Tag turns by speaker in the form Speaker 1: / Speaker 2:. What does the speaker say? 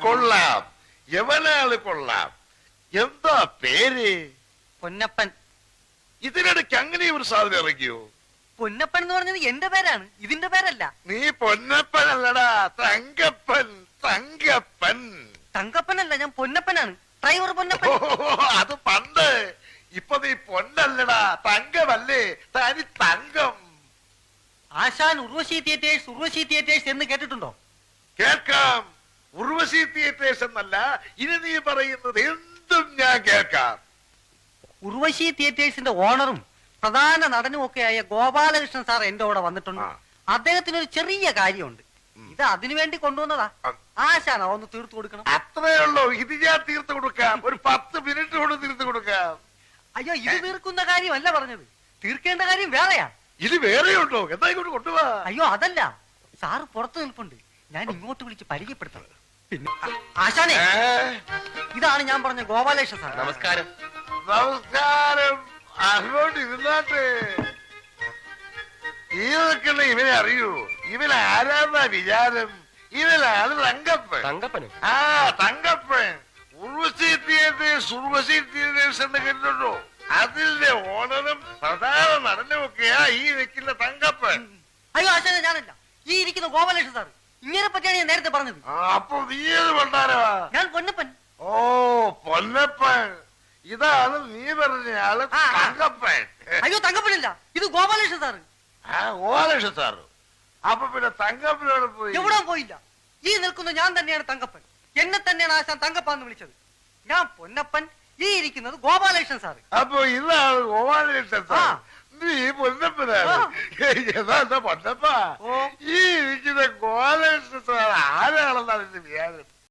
Speaker 1: കൊള്ളാം, യവനാള് കൊള്ളാം. എന്താ പേര്?
Speaker 2: പൊന്നപ്പൻ.
Speaker 1: ഇതിനിടയ്ക്ക് അങ്ങനെ ഒരു സാധനം ഇറങ്ങിയോ?
Speaker 2: പൊന്നപ്പൻ എന്ന് പറഞ്ഞത് എന്റെ പേരാണ്, ഇതിന്റെ പേരല്ല.
Speaker 1: നീ പൊന്നപ്പൻ അല്ലടാ, തങ്കപ്പൻ. തങ്കപ്പൻ
Speaker 2: തങ്കപ്പനല്ല, ഞാൻ പൊന്നപ്പനാണ്. ഡ്രൈവർ പൊന്നപ്പൻ.
Speaker 1: അത് പണ്ട്. ഇപ്പൊ നീ പൊന്നല്ലടാ, തങ്കമല്ലേ? തനി തങ്കം.
Speaker 2: ആശാൻ ഉർവശി തിയേറ്റേഴ്സ് എന്ന് കേട്ടിട്ടുണ്ടോ?
Speaker 1: കേൾക്കാം. ഉർവശി തിയേറ്റേഴ്സ് എന്നല്ല, ഇനി നീ പറയുന്നത് എന്തും ഞാൻ കേൾക്കാം.
Speaker 2: ഉർവശി തിയേറ്റേഴ്സിന്റെ ഓണറും പ്രധാന നടനും ഒക്കെയായ ഗോപാലകൃഷ്ണൻ സാർ എന്റെ കൂടെ വന്നിട്ടുണ്ട്. അദ്ദേഹത്തിന് ഒരു ചെറിയ കാര്യമുണ്ട്. ഇത് അതിനു വേണ്ടി കൊണ്ടുവന്നതാ. ആശാനാ ഒന്ന് തീർത്തു കൊടുക്കണം.
Speaker 1: അത്രേ ഉള്ളൂ. ഇത് ഞാൻ തീർത്തു കൊടുക്കാം. ഒരു 10 മിനിറ്റ് കൊണ്ട് തീർത്തു കൊടുക്കാം.
Speaker 2: അയ്യോ, ഇത് തീർക്കുന്ന കാര്യമല്ല പറഞ്ഞത്, തീർക്കേണ്ട കാര്യം വേറെയാ.
Speaker 1: ഇത് വേറെയുണ്ടോ? എന്താ ഇങ്ങോട്ട് കൊണ്ടുപോവാ?
Speaker 2: അയ്യോ അതല്ല, സാറ് പുറത്തു നിൽപ്പുണ്ട്, ഞാൻ ഇങ്ങോട്ട് വിളിച്ച് പരിചയപ്പെടുത്താം. പിന്നെ ആശാനെ, ഇതാണ് ഞാൻ പറഞ്ഞ ഗോപാലകൃഷ്ണൻ സാർ.
Speaker 3: നമസ്കാരം.
Speaker 1: നമസ്കാരം. അങ്ങോട്ട് ഇരുന്നാട്ടെ. ഈ നിൽക്കുന്ന ഇവനെ അറിയൂ? ഇവൻ ആരാന്നാ വിചാരം? ഇവനാണ് തങ്കപ്പൻ.
Speaker 3: തങ്കപ്പനോ?
Speaker 1: ആ, തങ്കപ്പൻ. ഉർവശി തിയേറ്റേഴ്സ് എന്ന് കേട്ടിട്ടുണ്ടോ? അതിന്റെ ഓണറും പ്രധാന നടനും ഒക്കെയാ ഈ നിൽക്കുന്ന തങ്കപ്പൻ.
Speaker 2: അയ്യോ ആശാനെ, ഞാനല്ല, ഈ ഇരിക്കുന്ന ഗോപാലകൃഷ്ണൻ സാർ. ഇങ്ങനെ പറ്റിയാണ് ഞാൻ നേരത്തെ പറഞ്ഞത്.
Speaker 1: അപ്പൊ നീ ഏത് കൊണ്ടാരവാ?
Speaker 2: ഞാൻ പൊന്നപ്പൻ.
Speaker 1: ഓ, പൊന്നപ്പൻ. ഇതാണ് നീ പറഞ്ഞ ആള് തങ്കപ്പൻ.
Speaker 2: അയ്യോ തങ്കപ്പനല്ല, ഇത് ഗോപാലകൃഷ്ണൻ സാറ്.
Speaker 1: ഗോപാലകൃഷ്ണൻ സാറ്. അപ്പൊ പിന്നെ തങ്കപ്പനോട് പോയി?
Speaker 2: എവിടെ പോയില്ല. ഈ നിൽക്കുന്ന ഞാൻ തന്നെയാണ് തങ്കപ്പൻ. എന്നെ തന്നെയാണ് ആശാൻ തങ്കപ്പാന്ന് വിളിച്ചത്. ഞാൻ പൊന്നപ്പൻ, ഈ ഇരിക്കുന്നത് ഗോപാലകൃഷ്ണൻ സാറ്.
Speaker 1: അപ്പൊ ഇതാണ് ഗോപാലകൃഷ്ണൻ സാർ. നീ പൊന്നപ്പനാണ്. എന്താ പൊന്നപ്പ? ഈ ഇരിക്കുന്ന ഗോപാലകൃഷ്ണൻ സാർ ആരാണെന്നാണ് എന്റെ വിചാരം.